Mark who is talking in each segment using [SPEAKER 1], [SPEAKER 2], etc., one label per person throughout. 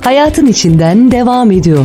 [SPEAKER 1] hayatın içinden devam ediyor.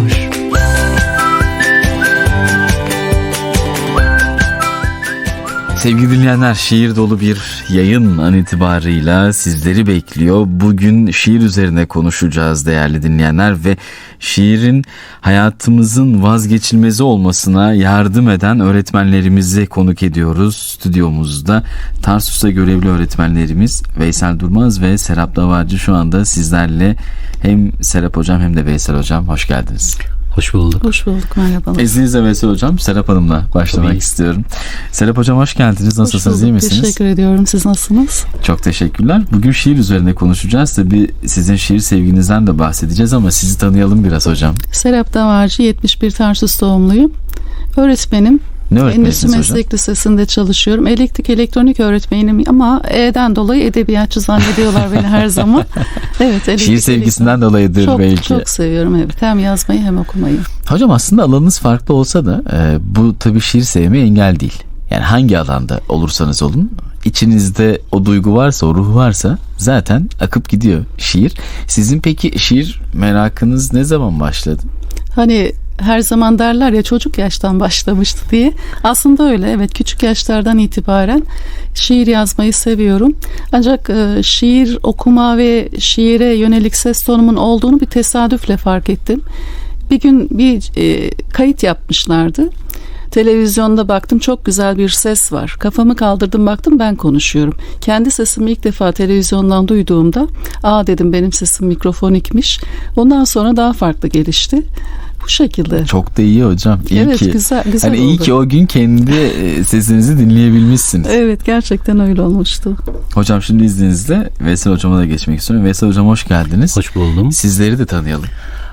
[SPEAKER 2] Sevgili dinleyenler, şiir dolu bir yayın an itibarıyla sizleri bekliyor. Bugün şiir üzerine konuşacağız değerli dinleyenler ve şiirin hayatımızın vazgeçilmezi olmasına yardım eden öğretmenlerimizi konuk ediyoruz. Stüdyomuzda Tarsus'ta görevli öğretmenlerimiz Veysel Durmaz ve Serap Davacı şu anda sizlerle. Hem Serap Hocam hem de Veysel Hocam, hoş geldiniz.
[SPEAKER 3] Hoş bulduk.
[SPEAKER 4] Hoş bulduk, merhabalar.
[SPEAKER 2] İzninizle Veysel Hocam, Serap Hanım'la başlamak istiyorum. Serap Hocam hoş geldiniz. Nasılsınız, iyi misiniz?
[SPEAKER 4] Teşekkür ediyorum. Siz nasılsınız?
[SPEAKER 2] Çok teşekkürler. Bugün şiir üzerine konuşacağız. Tabii sizin şiir sevginizden de bahsedeceğiz ama sizi tanıyalım biraz hocam.
[SPEAKER 4] Serap Davacı, 71 Tarsus doğumluyum. Öğretmenim.
[SPEAKER 2] Ne öğretmenisiniz hocam?
[SPEAKER 4] Meslek Lisesi'nde çalışıyorum. Elektrik elektronik öğretmenim ama E'den dolayı edebiyatçı zannediyorlar beni her zaman. Evet,
[SPEAKER 2] şiir sevgisinden dolayıdır
[SPEAKER 4] çok,
[SPEAKER 2] belki.
[SPEAKER 4] Çok seviyorum, evet. Hem yazmayı hem okumayı.
[SPEAKER 2] Hocam aslında alanınız farklı olsa da bu tabii şiir sevmeye engel değil. Yani hangi alanda olursanız olun, içinizde o duygu varsa, o ruh varsa zaten akıp gidiyor şiir. Sizin peki şiir merakınız ne zaman başladı?
[SPEAKER 4] Hani her zaman derler ya, çocuk yaştan başlamıştı diye. Aslında öyle, evet, küçük yaşlardan itibaren şiir yazmayı seviyorum. Ancak şiir okuma ve şiire yönelik ses tonumun olduğunu bir tesadüfle fark ettim. Bir gün bir kayıt yapmışlardı. Televizyonda baktım, çok güzel bir ses var. Kafamı kaldırdım, baktım ben konuşuyorum. Kendi sesimi ilk defa televizyondan duyduğumda dedim, benim sesim mikrofonikmiş. Ondan sonra daha farklı gelişti. Bu şekilde.
[SPEAKER 2] Çok da iyi hocam. İyi
[SPEAKER 4] evet,
[SPEAKER 2] ki,
[SPEAKER 4] güzel
[SPEAKER 2] hani
[SPEAKER 4] oldu.
[SPEAKER 2] iyi ki o gün kendi sesinizi dinleyebilmişsiniz.
[SPEAKER 4] Evet, gerçekten öyle olmuştu.
[SPEAKER 2] Hocam şimdi izninizle Veysel Hocam'a da geçmek istiyorum. Veysel Hocam hoş geldiniz.
[SPEAKER 3] Hoş buldum.
[SPEAKER 2] Sizleri de tanıyalım.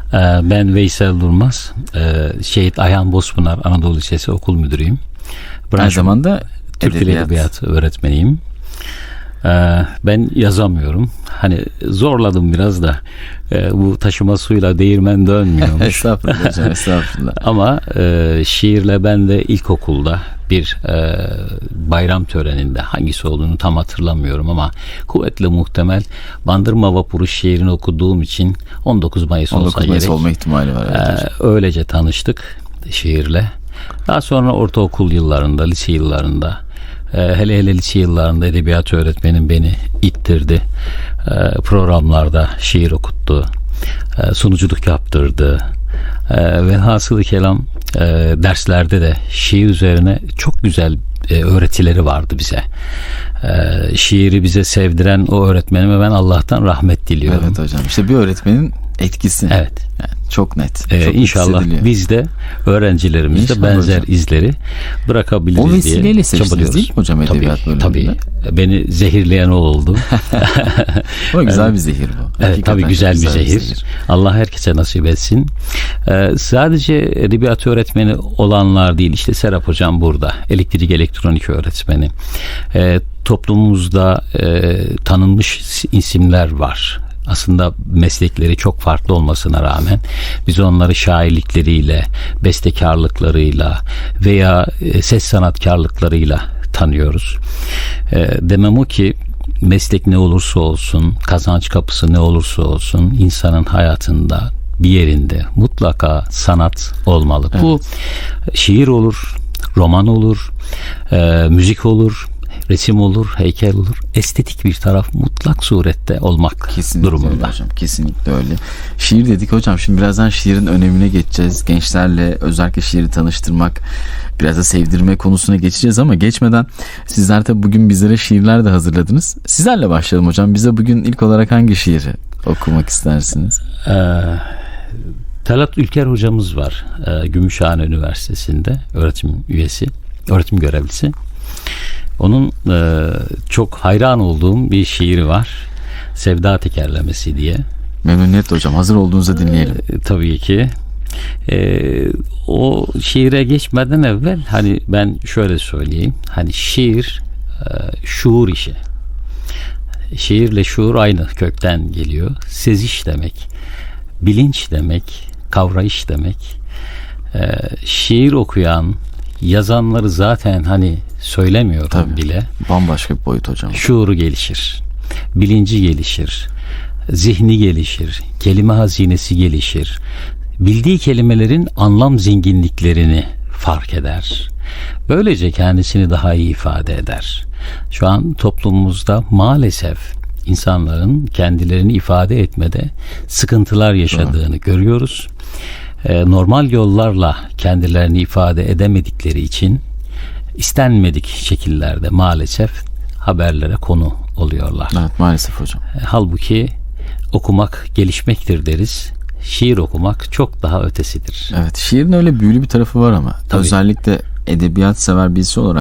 [SPEAKER 3] Ben Veysel Durmaz. Şehit Ayhan Bozpınar Anadolu Lisesi okul müdürüyüm.
[SPEAKER 2] Aynı zamanda
[SPEAKER 3] Türk Dili Edebiyatı öğretmeniyim. Ben yazamıyorum. Hani zorladım biraz da. Bu taşıma suyla değirmen dönmüyormuş.
[SPEAKER 2] Estağfurullah hocam, estağfurullah.
[SPEAKER 3] Ama şiirle ben de ilkokulda bir bayram töreninde, hangisi olduğunu tam hatırlamıyorum ama kuvvetle muhtemel Bandırma Vapuru şiirini okuduğum için 19 Mayıs olsa
[SPEAKER 2] 19 Mayıs
[SPEAKER 3] gerek.
[SPEAKER 2] olma ihtimali var. Evet,
[SPEAKER 3] öylece tanıştık şiirle. Daha sonra ortaokul yıllarında, lise yıllarında, hele lise yıllarında edebiyat öğretmenim beni ittirdi. Programlarda şiir okuttu. Sunuculuk yaptırdı. Velhasılı kelam derslerde de şiir üzerine çok güzel öğretileri vardı bize. Şiiri bize sevdiren o öğretmenime ben Allah'tan rahmet diliyorum.
[SPEAKER 2] Evet hocam, işte bir öğretmenin etkisi.
[SPEAKER 3] Evet.
[SPEAKER 2] Yani çok net. Çok
[SPEAKER 3] İnşallah biz de öğrencilerimizde
[SPEAKER 2] İnşallah
[SPEAKER 3] benzer
[SPEAKER 2] hocam.
[SPEAKER 3] izleri bırakabiliriz diye.
[SPEAKER 2] O vesileyle seçtiniz değil mi hocam edebiyat bölümünde?
[SPEAKER 3] Tabii. Beni zehirleyen o oldu.
[SPEAKER 2] Ama güzel bir zehir bu.
[SPEAKER 3] Evet, tabii güzel bir zehir. Allah herkese nasip etsin. Sadece edebiyat öğretmeni olanlar değil, işte Serap Hocam burada. Elektrik elektronik öğretmeni. Toplumumuzda tanınmış isimler var. Aslında meslekleri çok farklı olmasına rağmen biz onları şairlikleriyle, bestekarlıklarıyla veya ses sanatkarlıklarıyla tanıyoruz. Demem o ki meslek ne olursa olsun, kazanç kapısı ne olursa olsun insanın hayatında bir yerinde mutlaka sanat olmalı. Evet. Bu şiir olur, roman olur, müzik olur, resim olur, heykel olur. Estetik bir taraf mutlak surette olmak
[SPEAKER 2] kesinlikle
[SPEAKER 3] durumunda.
[SPEAKER 2] Öyle hocam, kesinlikle öyle. Şiir dedik hocam, şimdi birazdan şiirin önemine geçeceğiz. Gençlerle özellikle şiiri tanıştırmak, biraz da sevdirme konusuna geçeceğiz ama geçmeden sizler tabi bugün bizlere şiirler de hazırladınız. Sizlerle başlayalım hocam. Bize bugün ilk olarak hangi şiiri okumak istersiniz?
[SPEAKER 3] Talat Ülker hocamız var. Gümüşhane Üniversitesi'nde öğretim üyesi, öğretim görevlisi. Onun çok hayran olduğum bir şiiri var. Sevda Tekerlemesi diye.
[SPEAKER 2] Memnuniyetle hocam. Hazır olduğunuzda dinleyelim.
[SPEAKER 3] Tabii ki. O şiire geçmeden evvel hani ben şöyle söyleyeyim. Hani şiir şuur işi. Şiirle şuur aynı kökten geliyor. Seziş demek. Bilinç demek. Kavrayış demek. Şiir okuyan, yazanları zaten hani söylemiyorum
[SPEAKER 2] tabii,
[SPEAKER 3] bile.
[SPEAKER 2] Bambaşka bir boyut hocam.
[SPEAKER 3] Şuuru gelişir. Bilinci gelişir. zihni gelişir, kelime hazinesi gelişir. Bildiği kelimelerin anlam zenginliklerini fark eder. Böylece kendisini daha iyi ifade eder. Şu an toplumumuzda maalesef insanların kendilerini ifade etmede sıkıntılar yaşadığını görüyoruz. Normal yollarla kendilerini ifade edemedikleri için istenmedik şekillerde maalesef haberlere konu oluyorlar.
[SPEAKER 2] Evet, maalesef hocam.
[SPEAKER 3] Halbuki okumak gelişmektir deriz. Şiir okumak çok daha ötesidir.
[SPEAKER 2] Evet, şiirin öyle büyülü bir tarafı var ama
[SPEAKER 3] Tabii.
[SPEAKER 2] özellikle edebiyat sever birisi olarak